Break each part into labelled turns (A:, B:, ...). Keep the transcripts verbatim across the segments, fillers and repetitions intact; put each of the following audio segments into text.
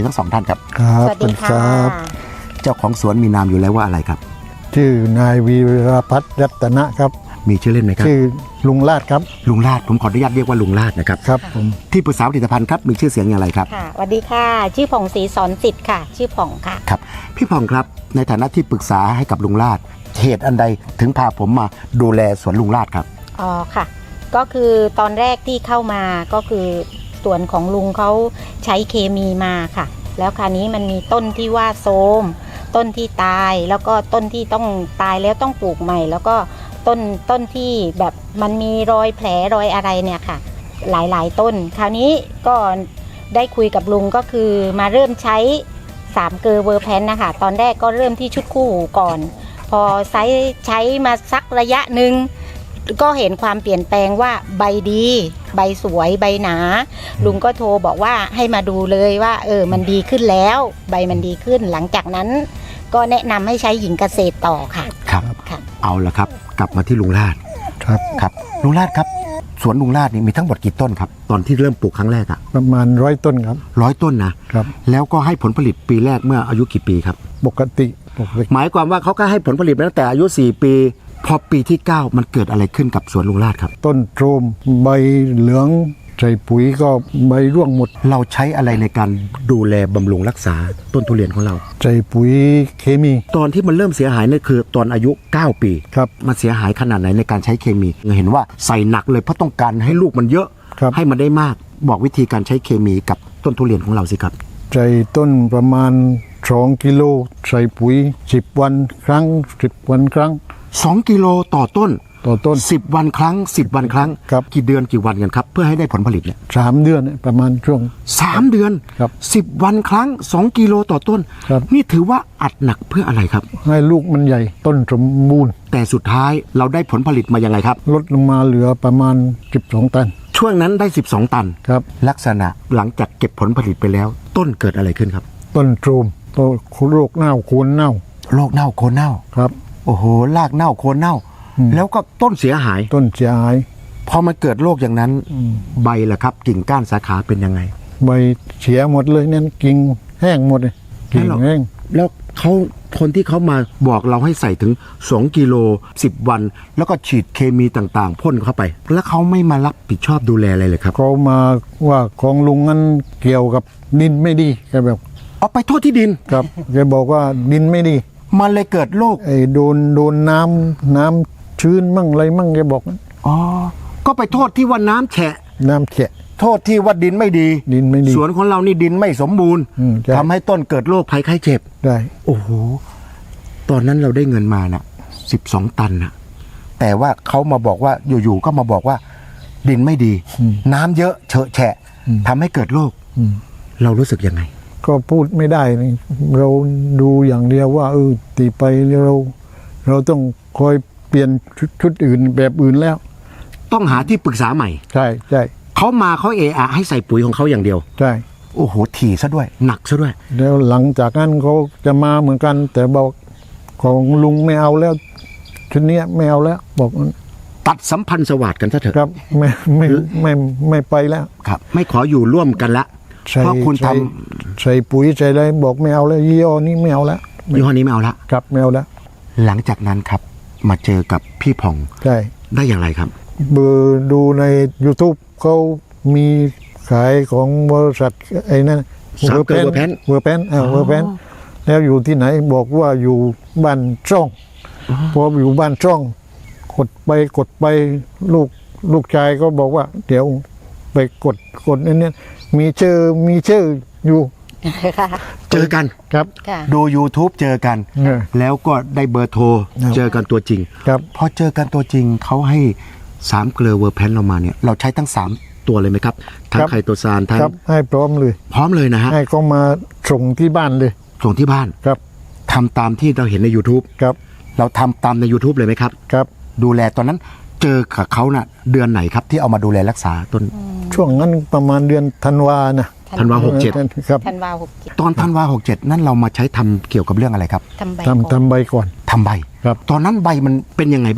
A: ทั้งสองท่านครับ
B: ครับ
C: สวัสดีค่ะ
A: เจ้าของสวนมีนามอยู่แล้วว่าอะไรครับ
B: ชื่อนายวีรพัฒน์รัตนะครับ
A: มีชื่อเล่นไหมครับ
B: ชื่อลุงลาดครับ
A: ลุงลาดผมขออนุญาตเรียกว่าลุงลาดนะครับ
B: ครับผม
A: ที่ปรึกษาผลิตภัณฑ์ครับมีชื่อเสียงอย่างไรครับ
C: ค่ะสวัสดีค่ะ ชื่อผ่องศรีสอนสิทธิ์ค่ะ ชื่อผ่องค่ะ
A: ครับพี่พองครับในฐานะที่ปรึกษาให้กับลุงลาดเหตุอันใดถึงพาผมมาดูแลสวนลุงลาดครับ
C: อ๋อค่ะ ก็คือตอนแรกที่เข้ามาก็คือส่วนของลุงเขาใช้เคมีมาค่ะ แล้วคราวนี้มันมีต้นที่ว่าโทรมต้นที่ตายแล้วก็ต้นที่ต้องตายแล้วต้องปลูกใหม่ แล้วก็ต้นต้นที่แบบมันมีรอยแผลรอยอะไรเนี่ยค่ะ หลายๆต้น คราวนี้ก็ได้คุยกับลุงก็คือมาเริ่มใช้สามเกลอเวอร์แพนนะคะตอนแรกก็เริ่มที่ชุดคู่หูก่อน พอใช้ใช้มาสักระยะหนึ่งก็เห็นความเปลี่ยนแปลงว่าใบดี ใบสวยใบหนา ลุงก็โทรบอกว่าให้มาดูเลยว่าเออมันดีขึ้นแล้ว ใบมันดีขึ้นหลังจากนั้น ก็แนะนำให้ใช้หญิงเกษตรต่อค่ะ
A: ครับ
C: ค่ะ
A: เอาละครับกลับมาที่ลุงลาด
B: ครับ
A: ครับลุงลาดครับสวนลุงลาดนี่มีทั้งหมดกี่ต้นครับตอนที่เริ่มปลูกครั้งแรกอะ
B: ประมาณร้อยต้นครับ
A: ร้อยต้นนะครับ แล้วก็ให้ผลผลิตปีแรกเมื่ออายุกี่ปีครับ
B: ปกติปกติ
A: หมายความว่าเขาก็ให้ผลผลิตมาตั้งแต่อายุสี่ปีพอปีที่เก้ามันเกิดอะไรขึ้นกับสวนลุงลาดครับ
B: ต้นโทรมใบเหลืองใส่ปุ๋ยก็ใบร่วงหมด
A: เราใช้อะไรในการดูแลบำรุงรักษาต้นทุเรียนของเรา
B: ใส่ปุ๋ยเคมี
A: ตอนที่มันเริ่มเสียหายนี่คือตอนอายุเก้าปี
B: ครับ
A: มันเสียหายขนาดไหนในการใช้เคมีเห็นว่าใส่หนักเลยเพราะต้องการให้ลูกมันเยอะ
B: ครับ
A: ให้มันได้มากบอกวิธีการใช้เคมีกับต้นทุเรียนของเราสิครับ
B: ใส่ต้นประมาณสองกิโลใส่ปุ๋ยสิบวันครั้งสิบวันครั้ง
A: สองกิโลต่อต้น
B: ต่อต้น
A: สิบวันครั้งสิบวันครั้ง
B: ครับ
A: กี่เดือนกี่วันกันครับเพื่อให้ได้ผลผลิตเนี่ย
B: สามเดือนประมาณช่วง
A: สามเดือน
B: ครับ
A: สิบวันครั้งสองกิโลต่อต้น
B: ครับ
A: นี่ถือว่าอัดหนักเพื่ออะไรครับ
B: ให้ลูกมันใหญ่ต้นสมบูรณ์
A: แต่สุดท้ายเราได้ผลผลิตมายังไงครับ
B: ลดลงมาเหลือประมาณสิบสองตัน
A: ช่วงนั้นได้สิบสองตัน
B: ครับ
A: ลักษณะหลังจากเก็บผลผลิตไปแล้ว ต้นเกิดอะไรขึ้นครับ
B: ต้นโทรมต้นโรคเน่าโคนเน่า
A: โรคเน่าโคนเน่า
B: ครับ
A: โอ้โหรากเน่าโคนเน่า
B: อืม
A: แล้วก็ต้นเสียหาย
B: ต้นเสียหาย
A: พอมันเกิดโรคอย่างนั้น ใบล่ะครับ กิ่งก้านสาขาเป็นยังไง
B: ใบเสียหมดเลยนั่นกิ่งแห้งหมดเลยกิ่ง
A: แล้ว
B: แห้ง
A: แล้วเขาคนที่เขามาบอกเราให้ใส่ถึงสองกิโลสิบวัน แล้วก็ฉีดเคมีต่างๆพ่นเข้าไป แล้วเขาไม่มารับผิดชอบดูแลอะไรเลยครับ
B: เขามาว่าของลุงนั้นเกี่ยวกับดินไม่ดีแกแบบ
A: เอาไปโทษที่ดิน
B: ครับแกบอกว่าดินไม่ดี
A: มันเลยเกิดโรค
B: ไอ้โดนโดนน้ำน้ำชื้นมั่งอะไรมั่งแกบอก
A: อ๋อก็ไปโทษที่ว่าน้ำแฉะ
B: น้ำแฉะ
A: โทษที่ว่าดินไม่ดี
B: ดินไม่ดี
A: สวนของเรานี่ดินไม่สมบูรณ์
B: อืมใช่
A: ทำให้ต้นเกิดโรคภัยไข้เจ็บ
B: ได้
A: โอ้โห ตอนนั้นเราได้เงินมานะ่ะสิบสองตันนะแต่ว่าเขามาบอกว่าอยู่ๆก็มาบอกว่า ดินไม่ดี น้ำเยอะเฉอะแฉะทำให้เกิดโรค
B: อืม
A: เรารู้สึกยังไง
B: ก็พูดไม่ได้นี่เราดูอย่างเดียวว่าเออตีไปเรา เราต้องคอยเปลี่ยนชุดชุดอื่นแบบอื่นแล้ว
A: ต้องหาที่ปรึกษาใหม่
B: ใช่ใช่
A: เขามาเขาเอะอะให้ใส่ปุ๋ยของเขาอย่างเดียว
B: ใช่
A: โอ้โหถี่ซะด้วย หนักซะด้วย
B: แล้วหลังจากนั้นเขาจะมาเหมือนกัน แต่บอกของลุงไม่เอาแล้วชุดเนี้ยไม่เอาแล้ว บอก
A: ตัดสัมพันธ์สวัสดกันซะเถอะ
B: ครับไม่ไม่ไม่ไม่ไม่ไปแล้ว
A: ครับ ไม่ขออยู่ร่วมกันละ
B: ใส่
A: เพราะคุณท
B: ใส่ใส่ปุ๋ยใส่อะไรบอกไม่เอาแล้วยี่ห้อนี้ไม่เอาแล้ว
A: ำยี่ห้อนี้ไม่เอาละ
B: ครับไม่เอาแล้ว
A: หลังจากนั้นครับ มาเจอกับพี่ผ่อง
B: ใช่
A: ได้อย่างไรครับ
B: เบอร์ดูใน YouTube เขามีขายของบริษัทไอ้นั่น
A: สามเกลอเวอร์แพน
B: เวอร์แพนเออเวอร์แพนแล้วอยู่ที่ไหนบอกว่าอยู่บ้านช่องพออยู่บ้านช่อง กดไปกดไปลูกลูกชายก็บอกว่า เดี๋ยวไปกดกดนี่เนี่ยมีชื่อมีชื่ออยู่
C: ค่ะ
A: เจอกัน
B: ครับ
C: ค่ะ
A: ดู YouTube เจอกัน
B: เออ
A: แล้วก็ได้เบอร์โทร
B: ครับ
A: เจอกันตัวจริง
B: ครับ
A: พอเจอกันตัวจริงเขาให้สามเกลือเวอร์แพนเรามาเนี่ยเราใช้ทั้งสามตัวเลยไหมครับ ทั้งไคโตซานทั้ง
B: ครับให้พร้อมเลย
A: พร้อมเลยนะฮะ
B: ให้เขามาส่งที่บ้านเลย
A: ส่งที่บ้าน
B: ครับ
A: ทำตามที่เราเห็นใน YouTube
B: ครับ
A: เราทำตามใน YouTube เลยไหมครับ
B: ครับ
A: ดูแลตอนนั้นเจอกับเขาน่ะเดือนไหนครับที่เอามาดูแลรักษาต้น
B: ช่วงนั้นประมาณเดือนธันวานะ
A: ธันวาหกเจ็ด
B: ครับ
C: ธันวาหกเจ็ด
A: ตอนธันวาหกเจ็ดนั่นเรามาใช้ทำเกี่ยวกับเรื่องอะไรครับ
C: ทำใบ
B: ทำทำใบก่อน
A: ทำใบ
B: ครับ
A: ตอนนั้นใบมันเป็นยังไงบ้าง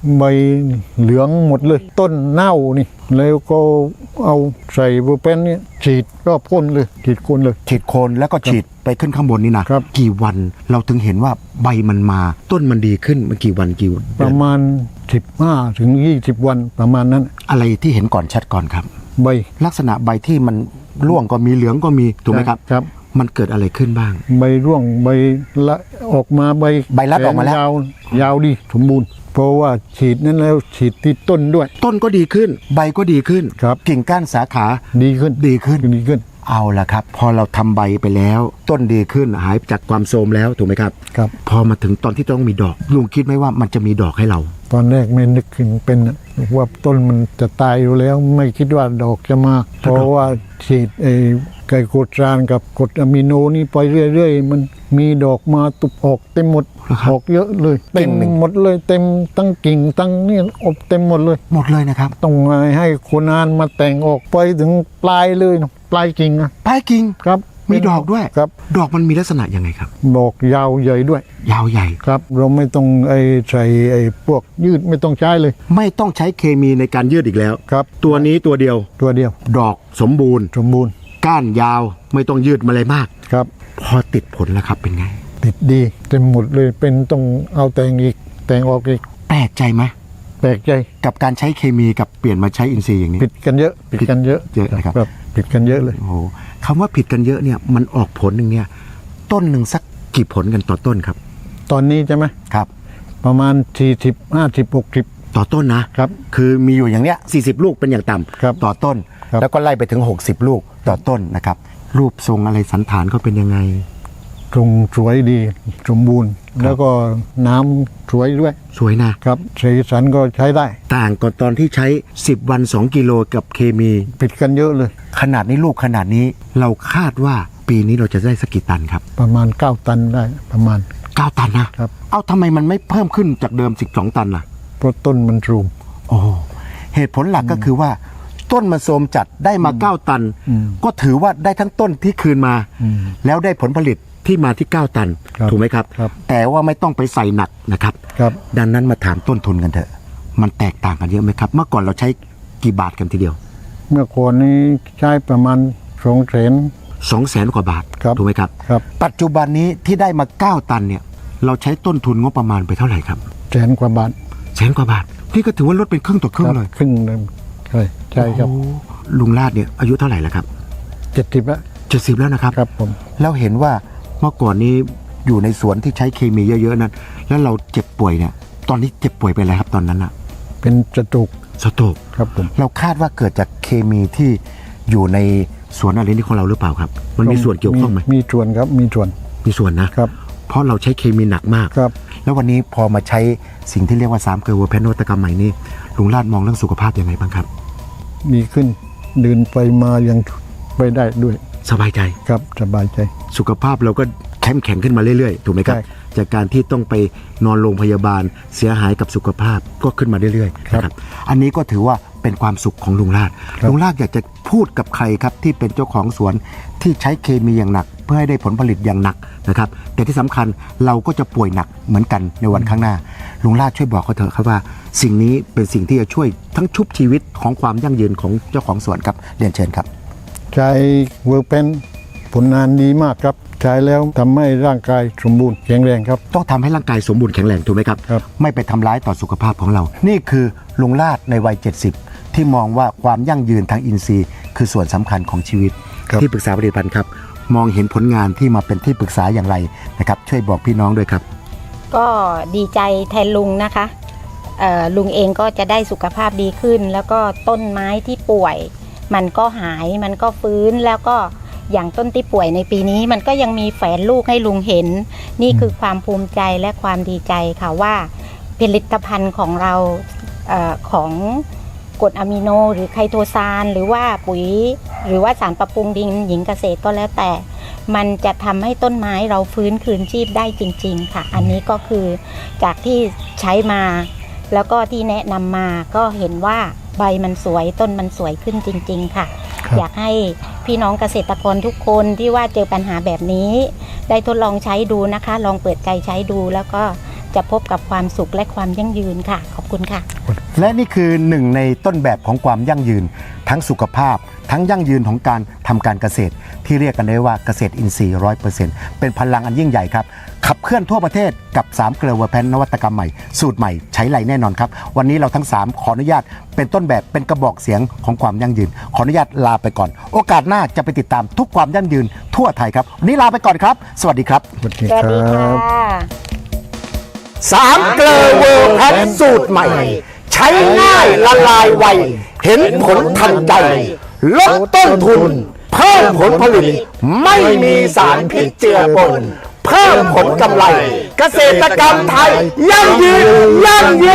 B: ใบเหลืองหมดเลยต้นเน่านี่แล้วก็เอาใส่เบอร์เป็นเนี่ยฉีดรอบก้นเลยฉีดก้นเลย
A: ฉีดโคนแล้วก็ฉีดไปขึ้นข้างบนนี่นะครับ กี่วันเราถึงเห็นว่าใบมันมาต้นมันดีขึ้นมันกี่วันกี่
B: ประมาณสิบห้าถึงยี่สิบวันประมาณนั้น
A: อะไรที่เห็นก่อนชัดก่อนครับ
B: ใบ
A: ลักษณะใบที่มันร่วงก็มีเหลืองก็มีถูกไหมครับ
B: ครับ
A: มันเกิดอะไรขึ้นบ้าง
B: ใบร่วงใบละออกมาใบ
A: ใบรัดออกมาแล้ว
B: ยาวยาวดีสมบูรณ์เพราะว่าฉีดนั้นแล้วฉีดที่ต้นด้วย
A: ต้นก็ดีขึ้น ใบก็ดีขึ้น
B: ครับ
A: กิ่งก้านสาขา
B: ดีขึ้น
A: ดีขึ้น
B: ดีขึ้น
A: เอาละครับ พอเราทำใบไปแล้ว ต้นดีขึ้นหายจากความโทรมแล้วถูกไหมครับ
B: ครับ
A: พอมาถึงตอนที่ต้องมีดอกลุงคิดไหมว่ามันจะมีดอกให้เรา
B: ตอนแรกไม่นึกถึงเป็นน่ะว่าต้นมันจะตายอยู่แล้วไม่คิดว่าดอกจะมา เพราะว่าฉีดไอ้ไกลโคตรานกับกรดอะมิโนนี่ไปเรื่อยๆมันมีดอกมาตุบออกเต็มหมด
A: เหรอครับ
B: ออกเยอะเลย
A: กิ่
B: เต็
A: ง
B: ม
A: หนึ่ง
B: หมดเลยเต็มตั้งกิ่งตั้งนี่อบเต็มหมดเลย
A: หมดเลยนะครับ
B: ต้องให้คนงานมาแต่งออกไปถึงปลายเลยนะปลายกิ่งนะ
A: ปลายกิ่ง
B: ครับ
A: มีดอกด้วย
B: ครับ
A: ดอกมันมีลักษณะยังไงครับ
B: ดอกยาวใหญ่ด้วย
A: ยาวใหญ่
B: ครับ เราไม่ต้องไอ้ใส่ไอ้พวกยืดไม่ต้องใช้เลย
A: ไม่ต้องใช้เคมีในการยืดอีกแล้ว
B: ครับ
A: ตัวนี้ตัวเดียว
B: ตัวเดียว
A: ดอกสมบูรณ์
B: สมบูรณ์
A: ก้านยาวไม่ต้องยืดมาเลยมาก
B: ครับ
A: พอติดผลแล้วครับเป็นไง
B: ติดดีเต็มหมดเลยเป็นต้องเอาแต่งอีกแต่งออกอีก
A: แปลกใจไหม
B: แปลกใจ
A: กับการใช้เคมีกับเปลี่ยนมาใช้อินทรีย์อย่างนี้
B: ผิดกันเยอะผิดกันเยอะ
A: เยอะนะครับ
B: ผิดกันเยอะเลย
A: โอ้โหคำว่าผิดกันเยอะเนี่ยมันออกผลหนึ่งเนี่ยต้นหนึ่งสักกี่ผลกันต่อต้นครับ
B: ตอนนี้ใช่ไหม
A: ครับ
B: ประมาณสี่สิบห้าสิบหกสิบ
A: ต่อต้นนะครับ คือมีอยู่อย่างเนี้ยสี่สิบลูกเป็นอย่างต่
B: ครับ
A: ำต่อต้น
B: ครับ
A: แล้วก็ไล่ไปถึงหกสิบลูกต่อต้นนะครับ รูปทรงอะไรสันฐานเขาเป็นยังไง
B: ตรงสวยดีสมบูรณ์ แล้วก็น้ำสวยด้วย
A: สวยนะครับ
B: สีสันก็ใช้ได้
A: ต่างกับตอนที่ใช้สิบวันสองกิโลกับเคมี
B: ผิดกันเยอะเลย
A: ขนาดนี้ลูกขนาดนี้เราคาดว่าปีนี้เราจะได้สักกี่ตันครับ
B: ประมาณเก้าตันได้ประมาณ
A: เก้าตันนะครับ เอาทำไมมันไม่เพิ่มขึ้นจากเดิมสิบสองตันล่ะ
B: เพราะต้นมันสูง
A: โอ้เหตุผลหลักก็คือว่า ต้นมันโทรมจัดได้มาเก้าตัน
B: อืม
A: ก็ถือว่าได้ทั้งต้นที่คืนมา
B: อืม
A: แล้วได้ผลผลิตที่มาที่เก้าตัน
B: ครับ
A: ถูกไหมครับ
B: ครับ
A: แต่ว่าไม่ต้องไปใส่หนักนะครับ
B: ครับ
A: ดังนั้นมาถามต้นทุนกันเถอะ มันแตกต่างกันเยอะไหมครับ เมื่อก่อนเราใช้กี่บาทกันทีเดียว
B: เมื่อก่อนนี้ใช้ประมาณสองแสน
A: สองแสนกว่าบาท
B: ครับ
A: ถูกไหมครับ
B: ครับ
A: ปัจจุบันนี้ที่ได้มาเก้าตันเนี่ยเราใช้ต้นทุนงบประมาณไปเท่าไหร่ครับ
B: แสนกว่าบาท
A: แสนกว่าบาทนี่ก็ถือว่าลดเป็นครึ่งต่อครึ่งเลย
B: ครึ่งเลยใช่ใช่ครับ
A: โอ้ลุงลาดเนี่ยอายุเท่าไหร่แล้วครับ
B: เจ็ดสิบแล้ว
A: เจ็ดสิบแล้วนะครับ
B: ครับผม
A: แล้วเห็นว่าเมื่อก่อนนี้อยู่ในสวนที่ใช้เคมีเยอะๆนั้น แล้วเราเจ็บป่วยเนี่ย ตอนนี้เจ็บป่วยไปแล้วครับตอนนั้นอะ
B: เป็นจตุก
A: สโตรก
B: ครับผม
A: เราคาดว่าเกิดจากเคมีที่อยู่ในสวนอะไรนี่ของเราหรือเปล่าครับ มันมีส่วนเกี่ยวข้องไหม
B: มีส่วนครับมีส่วน
A: มีส่วนนะครับ เพราะเราใช้เคมีหนักมาก
B: ครับ
A: แล้ววันนี้พอมาใช้สิ่งที่เรียกว่าสามเกลือวัวแพนโนตกรรมใหม่นี่ลุงลาดมองเรื่องสุขภาพยังไงบ้างครับ
B: ดีขึ้นเดินไปมายังไปได้ด้วย
A: สบายใจ
B: ครับสบายใจ
A: สุขภาพเราก็เข้มแข็งขึ้นมาเรื่อยๆถูกไหมครับ
B: ใช่
A: จากการที่ต้องไปนอนโรงพยาบาลเสียหายกับสุขภาพก็ขึ้นมาเรื่อยๆนะครับอันนี้ก็ถือว่าเป็นความสุขของลุงลาดลุงลาดอยากจะพูดกับใครครับที่เป็นเจ้าของสวนที่ใช้เคมีอย่างหนัก เพื่อให้ได้ผลผลิตอย่างหนักนะครับแต่ที่สำคัญเราก็จะป่วยหนักเหมือนกันในวันข้างหน้าลุงลาดช่วยบอกเขาเถอะครับว่า สิ่งนี้เป็นสิ่งที่จะช่วยทั้งชุบชีวิตของความยั่งยืนของเจ้าของสวนครับเรียนเชิญครับ
B: ใช้เวิร์กเพนผลงานดีมากครับใช้แล้วทำให้ร่างกายสมบูรณ์แข็งแรงครับ
A: ต้องทำให้ร่างกายสมบูรณ์แข็งแรงถูกไหมครับ
B: ครับ
A: ไม่ไปทำร้ายต่อสุขภาพของเรา นี่คือลุงลาดในวัยเจ็ดสิบที่มองว่าความยั่งยืนทางอินทรีย์ คือส่วนสำคัญของชีวิต
B: ครับ
A: ที่ปรึกษาผลิตภัณฑ์ครับมองเห็นผลงานที่มาเป็นที่ปรึกษาอย่างไรนะครับช่วยบอกพี่น้องด้วยครับ
C: ก็ดีใจแทนลุงนะคะเอ่อลุงเองก็จะได้สุขภาพดีขึ้น แล้วก็ต้นไม้ที่ป่วย มันก็หายมันก็ฟื้นแล้วก็อย่างต้นที่ป่วยในปีนี้มันก็ยังมีแฝนลูกให้ลุงเห็น นี่คือความภูมิใจและความดีใจค่ะว่าผลิตภัณฑ์ของเราเออของกรดอะมิโนหรือไคโตซานหรือว่าปุ๋ยหรือว่าสารปรับปรุงดินหญิงเกษตรก็แล้วแต่ มันจะทำให้ต้นไม้เราฟื้นคืนชีพได้จริงๆค่ะอันนี้ก็คือจากที่ใช้มาแล้วก็ที่แนะนำมาก็เห็นว่าใบมันสวยต้นมันสวยขึ้นจริงๆค่ะ
B: ครับ
C: อยากให้พี่น้องเกษตรกรทุกคนที่ว่าเจอปัญหาแบบนี้ ได้ทดลองใช้ดูนะคะ ลองเปิดใจใช้ดูแล้วก็จะพบกับความสุขและความยั่งยืนค่ะขอบคุณค่ะ
A: และนี่คือหนึ่งในต้นแบบของความยั่งยืน ทั้งสุขภาพ ทั้งยั่งยืนของการทำการเกษตร ที่เรียกกันได้ว่าเกษตรอินทรีย์ ร้อยเปอร์เซ็นต์ เป็นพลังอันยิ่งใหญ่ครับขับเคลื่อนทั่วประเทศกับสามเกลือเวอร์แพนนวัตกรรมใหม่สูตรใหม่ใช้ไรแน่นอนครับวันนี้เราทั้งสามขออนุญาตเป็นต้นแบบเป็นกระบอกเสียงของความยั่งยืนขออนุญาตลาไปก่อน โอกาสหน้าจะไปติดตามทุกความยั่งยืนทั่วไทยครับวันนี้ลาไปก่อนครับสวัสดีครับ
B: สวัสดี
C: สวัสดี
B: ค
C: ค่ะ
B: รับ
A: สามเกลือเวอร์แพนสูตรใหม่ ใช้ง่ายละลายไวเห็นผลทันใจลดต้นทุนเพิ่มผลผลิตไม่มีสารพิษเจือปนเพิ่มผลกำไร เกษตรกรรมไทยยั่งยืนยั่งยื